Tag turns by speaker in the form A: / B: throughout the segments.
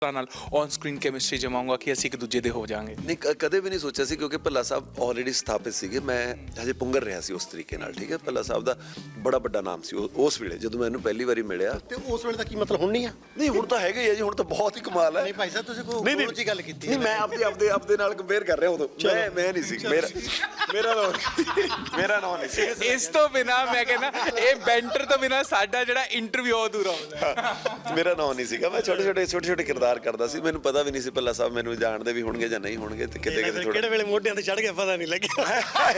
A: ਨਾਲ on screen chemistry ਜਮਾਉਂਗਾ ਕਿ ਅਸੀਂ ਇੱਕ ਦੂਜੇ ਦੇ ਹੋ ਜਾਾਂਗੇ?
B: ਨਹੀਂ, ਕਦੇ ਵੀ ਨਹੀਂ ਸੋਚਿਆ ਸੀ, ਕਿਉਂਕਿ ਭੱਲਾ ਸਾਹਿਬ ਆਲਰੇਡੀ ਸਥਾਪਿਤ ਸੀਗੇ। ਮੈਂ ਹਜੇ ਪੁੰਗਰ ਰਿਹਾ ਸੀ ਉਸ ਤਰੀਕੇ ਨਾਲ, ਠੀਕ ਹੈ। ਭੱਲਾ ਸਾਹਿਬ ਦਾ ਬੜਾ ਵੱਡਾ ਨਾਮ ਸੀ ਉਸ ਵੇਲੇ ਜਦੋਂ ਮੈਂ ਇਹਨੂੰ ਪਹਿਲੀ ਵਾਰੀ ਮਿਲਿਆ।
C: ਤੇ ਉਸ ਵੇਲੇ ਦਾ ਕੀ ਮਤਲਬ ਹੁਣ ਨਹੀਂ ਆ?
B: ਨਹੀਂ, ਹੁਣ ਤਾਂ ਹੈਗਾ ਹੀ ਹੈ ਜੀ, ਹੁਣ ਤਾਂ ਬਹੁਤ ਹੀ ਕਮਾਲ ਹੈ।
C: ਨਹੀਂ ਭਾਈ ਸਾਹਿਬ, ਤੁਸੀਂ ਕੋਈ ਹੋਰ ਜੀ ਗੱਲ ਕੀਤੀ?
B: ਨਹੀਂ, ਮੈਂ ਆਪਦੇ ਨਾਲ ਕੰਪੇਅਰ ਕਰ ਰਿਹਾ ਉਦੋਂ। ਮੈਂ ਨਹੀਂ ਸੀ, ਮੇਰਾ ਨਾਮ ਨਹੀਂ ਸੀ।
A: ਇਸ ਤੋਂ ਬਿਨਾ ਮੈਂ ਕਹਿੰਦਾ ਇਹ ਬੈਂਟਰ ਤੋਂ ਬਿਨਾ ਸਾਡਾ ਜਿਹੜਾ ਇੰਟਰਵਿਊ ਅਧੂਰਾ ਹੁੰਦਾ।
B: ਮੇਰਾ ਨਾਮ ਨਹੀਂ ਸੀਗਾ। ਮੈਂ ਛੋਟੇ ਕਿਰਦਾਰ ਕਰਦਾ ਸੀ। ਮੈਨੂੰ ਪਤਾ ਵੀ ਨਹੀਂ ਸੀ ਭੱਲਾ ਸਾਹਿਬ ਮੈਨੂੰ ਜਾਣਦੇ ਵੀ ਹੋਣਗੇ ਜਾਂ ਨਹੀਂ ਹੋਣਗੇ, ਤੇ ਕਿਤੇ
C: ਕਿਹੜੇ ਵੇਲੇ ਮੋਢਿਆਂ ਤੇ ਚੜ ਗਿਆ ਪਤਾ ਨਹੀਂ ਲੱਗਿਆ।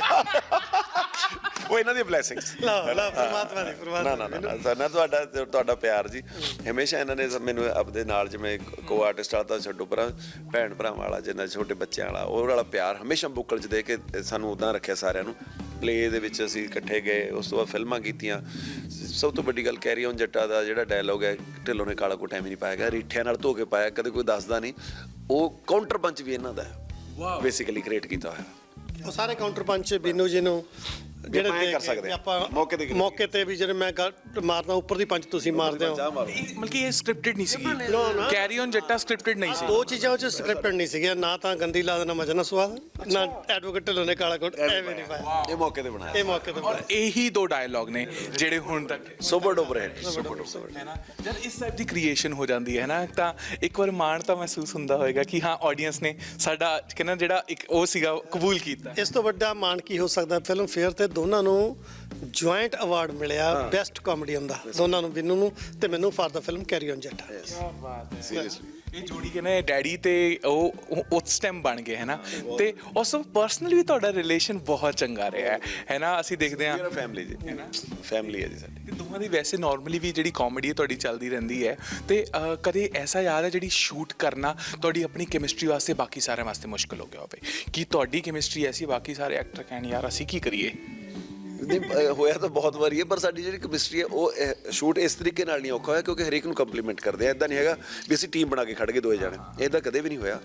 B: ਉਹ ਇਹਨਾਂ ਦੀ ਬਲੇਸਿੰਗਸ।
C: ਪਰਮਾਤਮਾ ਦੀ।
B: ਨਾ ਤੁਹਾਡਾ ਪਿਆਰ ਜੀ ਹਮੇਸ਼ਾ ਇਹਨਾਂ ਨੇ ਮੈਨੂੰ ਆਪਣੇ ਨਾਲ, ਜਿਵੇਂ ਕੋ ਆਰਟਿਸਟ ਆ ਤਾਂ ਛੱਡੋ ਪਰਾਂ, ਭੈਣ ਭਰਾਵਾਂ ਵਾਲਾ, ਜਿੰਨਾ ਛੋਟੇ ਬੱਚਿਆਂ ਵਾਲਾ, ਉਹ ਵਾਲਾ ਪਿਆਰ ਹਮੇਸ਼ਾ ਬੁੱਕਲ 'ਚ ਦੇ ਕੇ ਸਾਨੂੰ ਉੱਦਾਂ ਰੱਖਿਆ ਸਾਰਿਆਂ ਨੂੰ। ਪਲੇ ਦੇ ਵਿੱਚ ਅਸੀਂ ਇਕੱਠੇ ਗਏ, ਉਸ ਤੋਂ ਬਾਅਦ ਫਿਲਮਾਂ ਕੀਤੀਆਂ। ਸਭ ਤੋਂ ਵੱਡੀ ਗੱਲ ਕੈਰੀ ਔਨ ਜੱਟਾ ਦਾ ਜਿਹੜਾ ਡਾਇਲੋਗ ਹੈ, ਢਿੱਲੋਂ ਨੇ ਕਾਲਾ ਕੋਟ ਐਵੇਂ ਨਹੀਂ ਪਾਇਆ ਗਿਆ, ਰੀਠਿਆਂ ਨਾਲ ਧੋ ਕੇ ਪਾਇਆ, ਕਦੇ ਕੋਈ ਦੱਸਦਾ ਨਹੀਂ। ਉਹ ਕਾਊਂਟਰ ਪੰਚ ਵੀ ਇਹਨਾਂ ਦਾ ਹੈ, ਬੇਸਿਕਲੀ ਕ੍ਰੀਏਟ ਕੀਤਾ ਹੋਇਆ।
C: ਉਹ ਸਾਰੇ ਕਾਊਂਟਰ ਪੰਚ ਬੀਨੂ ਜੀ ਨੂੰ ਜਿਹੜੇ
B: ਕਰ ਸਕਦੇ
C: ਆਪਾਂ
B: ਮੌਕੇ ਤੇ
C: ਵੀ ਜਿਹੜੇ ਮੈਂ ਮਾਰਦਾ ਉੱਪਰ ਦੀ ਪੰਚ ਤੁਸੀਂ ਮਾਰਦੇ ਹੋ।
A: ਮਤਲਬ ਕਿ ਇਹ ਸਕ੍ਰਿਪਟਡ ਨਹੀਂ ਸੀ, ਕੈਰੀ ਔਨ ਜੱਟਾ ਸਕ੍ਰਿਪਟਡ ਨਹੀਂ ਸੀ।
C: ਦੋ ਚੀਜ਼ਾਂ ਵਿੱਚ ਸਕ੍ਰਿਪਟਡ ਨਹੀਂ ਸੀਗੀਆਂ, ਨਾ ਤਾਂ ਗੰਦੀ ਲਾਦ ਨਾ ਮਜਾ ਨਾ ਸਵਾਦ, ਨਾ ਐਡਵੋਕੇਟ ਢਿੱਲੋਂ ਨੇ ਕਾਲਾ ਕੋਟ ਐਵੇਂ ਨਹੀਂ ਪਾਇਆ।
B: ਇਹ ਮੌਕੇ ਤੇ ਬਣਾਇਆ,
C: ਇਹ ਮੌਕੇ ਤੇ ਬਣਾਇਆ।
A: ਇਹੀ ਦੋ ਡਾਇਲੌਗ ਨੇ ਜਿਹੜੇ ਹੁਣ ਤੱਕ
B: ਸੁਪਰ ਡੁਪਰ ਹੈ
A: ਨਾ। ਜਦ ਇਸ ਟਾਈਪ ਦੀ ਕ੍ਰੀਏਸ਼ਨ ਹੋ ਜਾਂਦੀ ਹੈ ਨਾ, ਤਾਂ ਇੱਕ ਵਾਰ ਮਾਣ ਤਾਂ ਮਹਿਸੂਸ ਹੁੰਦਾ ਹੋਏਗਾ ਕਿ ਹਾਂ ਆਡੀਅנס ਨੇ ਸਾਡਾ ਕਹਿੰਦਾ ਜਿਹੜਾ ਇੱਕ ਉਹ ਸੀਗਾ ਕਬੂਲ ਕੀਤਾ।
C: ਇਸ ਤੋਂ ਵੱਡਾ ਮਾਣ ਕੀ ਹੋ ਸਕਦਾ? ਫਿਲਮ ਫੇਅਰ ਤੇ ਦੋਨਾਂ ਨੂੰ ਜੁਆਇੰਟ ਅਵਾਰਡ ਮਿਲਿਆ ਬੈਸਟ ਕਾਮੇਡੀਅਨ ਦਾ, ਦੋਨਾਂ ਨੂੰ, ਬਿੰਨੂ ਨੂੰ ਤੇ ਮੈਨੂੰ, ਫਾਰ ਦਾ ਫਿਲਮ ਕੈਰੀ ਔਨ ਜੱਟਾ।
A: ਕੀ ਬਾਤ ਹੈ, ਸੀਰੀਅਸਲੀ। ਇਹ ਜੋੜੀ ਕਹਿੰਦੇ ਡੈਡੀ ਤੇ ਉਹ ਉਸ ਟਾਈਮ ਬਣ ਗਏ ਹੈ ਨਾ, ਤੇ ਉਸ ਤੋਂ ਪਰਸਨਲੀ ਵੀ ਤੁਹਾਡਾ ਰਿਲੇਸ਼ਨ ਬਹੁਤ ਚੰਗਾ ਰਿਹਾ ਹੈ ਨਾ। ਅਸੀਂ ਦੇਖਦੇ ਹਾਂ
B: ਫੈਮਿਲੀ ਜੀ, ਫੈਮਿਲੀ ਹੈ ਜੀ ਸਾਡੀ।
A: ਤੇ ਦੋਵਾਂ ਦੀ ਵੈਸੇ ਨਾਰਮਲੀ ਵੀ ਜਿਹੜੀ ਕਾਮੇਡੀ ਹੈ ਤੁਹਾਡੀ ਚੱਲਦੀ ਰਹਿੰਦੀ ਹੈ, ਤੇ ਕਦੇ ਐਸਾ ਯਾਦ ਹੈ ਜਿਹੜੀ ਸ਼ੂਟ ਕਰਨਾ ਤੁਹਾਡੀ ਆਪਣੀ ਕੈਮਿਸਟਰੀ ਵਾਸਤੇ ਬਾਕੀ ਸਾਰਿਆਂ ਵਾਸਤੇ ਮੁਸ਼ਕਿਲ ਹੋ ਗਿਆ ਹੋਵੇ, ਕਿ ਤੁਹਾਡੀ ਕੈਮਿਸਟਰੀ ਐਸੀ ਬਾਕੀ ਸਾਰੇ ਐਕਟਰ ਕਹਿਣ ਯਾਰ ਅਸੀਂ ਕੀ ਕਰੀਏ?
B: ਨਹੀਂ, ਹੋਇਆ ਤਾਂ ਬਹੁਤ ਵਾਰੀ ਹੈ, ਪਰ ਸਾਡੀ ਜਿਹੜੀ ਕੈਮਿਸਟਰੀ ਹੈ ਉਹ ਸ਼ੂਟ ਇਸ ਤਰੀਕੇ ਨਾਲ ਨਹੀਂ ਔਖਾ ਹੋਇਆ, ਕਿਉਂਕਿ ਹਰੇਕ ਨੂੰ ਕੰਪਲੀਮੈਂਟ ਕਰਦੇ ਆ। ਇੱਦਾਂ ਨਹੀਂ ਹੈਗਾ ਵੀ ਅਸੀਂ ਟੀਮ ਬਣਾ ਕੇ ਖੜ ਗਏ ਦੋਏ ਜਾਣੇ, ਇੱਦਾਂ ਕਦੇ ਵੀ ਨਹੀਂ ਹੋਇਆ।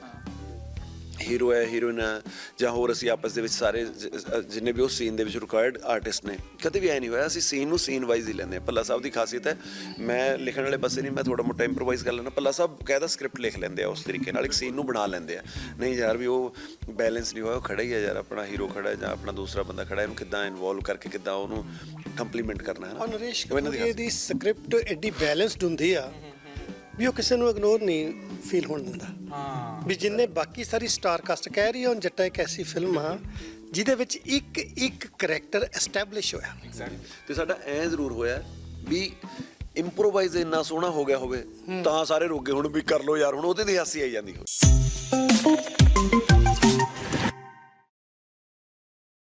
B: ਹੀਰੋ ਹੈ, ਹੀਰੋਇਨ ਹੈ, ਜਾਂ ਹੋਰ ਅਸੀਂ ਆਪਸ ਦੇ ਵਿੱਚ ਸਾਰੇ ਜਿੰਨੇ ਵੀ ਉਸ ਸੀਨ ਦੇ ਵਿੱਚ ਰਿਕੁਆਇਰਡ ਆਰਟਿਸਟ ਨੇ, ਕਦੇ ਵੀ ਐ ਨਹੀਂ ਹੋਇਆ। ਅਸੀਂ ਸੀਨ ਨੂੰ ਸੀਨ ਵਾਈਜ਼ ਹੀ ਲੈਂਦੇ ਹਾਂ। ਭੱਲਾ ਸਾਹਿਬ ਦੀ ਖਾਸੀਅਤ ਹੈ, ਮੈਂ ਲਿਖਣ ਵਾਲੇ ਪਾਸੇ ਨਹੀਂ, ਮੈਂ ਥੋੜ੍ਹਾ ਮੋਟਾ ਇੰਪਰੋਵਾਈਜ਼ ਕਰ ਲੈਂਦਾ। ਭੱਲਾ ਸਾਹਿਬ ਕਹਿਦਾ ਸਕ੍ਰਿਪਟ ਲਿਖ ਲੈਂਦੇ ਆ ਉਸ ਤਰੀਕੇ ਨਾਲ, ਇੱਕ ਸੀਨ ਨੂੰ ਬਣਾ ਲੈਂਦੇ ਆ। ਨਹੀਂ ਯਾਰ ਵੀ ਉਹ ਬੈਲੈਂਸ ਨਹੀਂ ਹੋਇਆ, ਉਹ ਖੜਾ ਹੀ ਹੈ ਯਾਰ, ਆਪਣਾ ਹੀਰੋ ਖੜਾ ਜਾਂ ਆਪਣਾ ਦੂਸਰਾ ਬੰਦਾ ਖੜਾ, ਇਹਨੂੰ ਕਿੱਦਾਂ ਇਨਵੋਲਵ ਕਰਕੇ ਕਿੱਦਾਂ ਉਹਨੂੰ ਕੰਪਲੀਮੈਂਟ ਕਰਨਾ ਹੈ ਨਾ।
C: ਨਰੇਸ਼ ਕਪੂਰ ਦੀ ਸਕ੍ਰਿਪਟ ਐਡੀ ਬੈਲੈਂਸਡ ਹੁੰਦੀ ਆ ਵੀ ਉਹ ਕਿਸੇ ਨੂੰ ਇਗਨੋਰ ਨਹੀਂ ਫੀਲ ਹੋਣ ਦਿੰਦਾ। ਵੀ ਜਿੰਨੇ ਬਾਕੀ ਸਾਰੀ ਸਟਾਰ ਕਾਸਟ ਕਹਿ ਰਹੀ ਹੈ, ਹੁਣ ਜੱਟਾ ਇੱਕ ਐਸੀ ਫਿਲਮ ਆ ਜਿਹਦੇ ਵਿੱਚ ਇੱਕ ਕਰੈਕਟਰ ਐਸਟੈਬਲਿਸ਼ ਹੋਇਆ।
B: ਤੇ ਸਾਡਾ ਐ ਜ਼ਰੂਰ ਹੋਇਆ ਵੀ ਇੰਪਰੋਵਾਈਜ਼ ਇੰਨਾ ਸੋਹਣਾ ਹੋ ਗਿਆ ਹੋਵੇ ਤਾਂ ਸਾਰੇ ਰੁਕ ਗਏ ਹੁਣ ਵੀ ਕਰ ਲਓ ਯਾਰ, ਹੁਣ ਉਹਦੇ ਦੀ ਹਾਸੀ ਆਈ ਜਾਂਦੀ ਹੋਵੇ।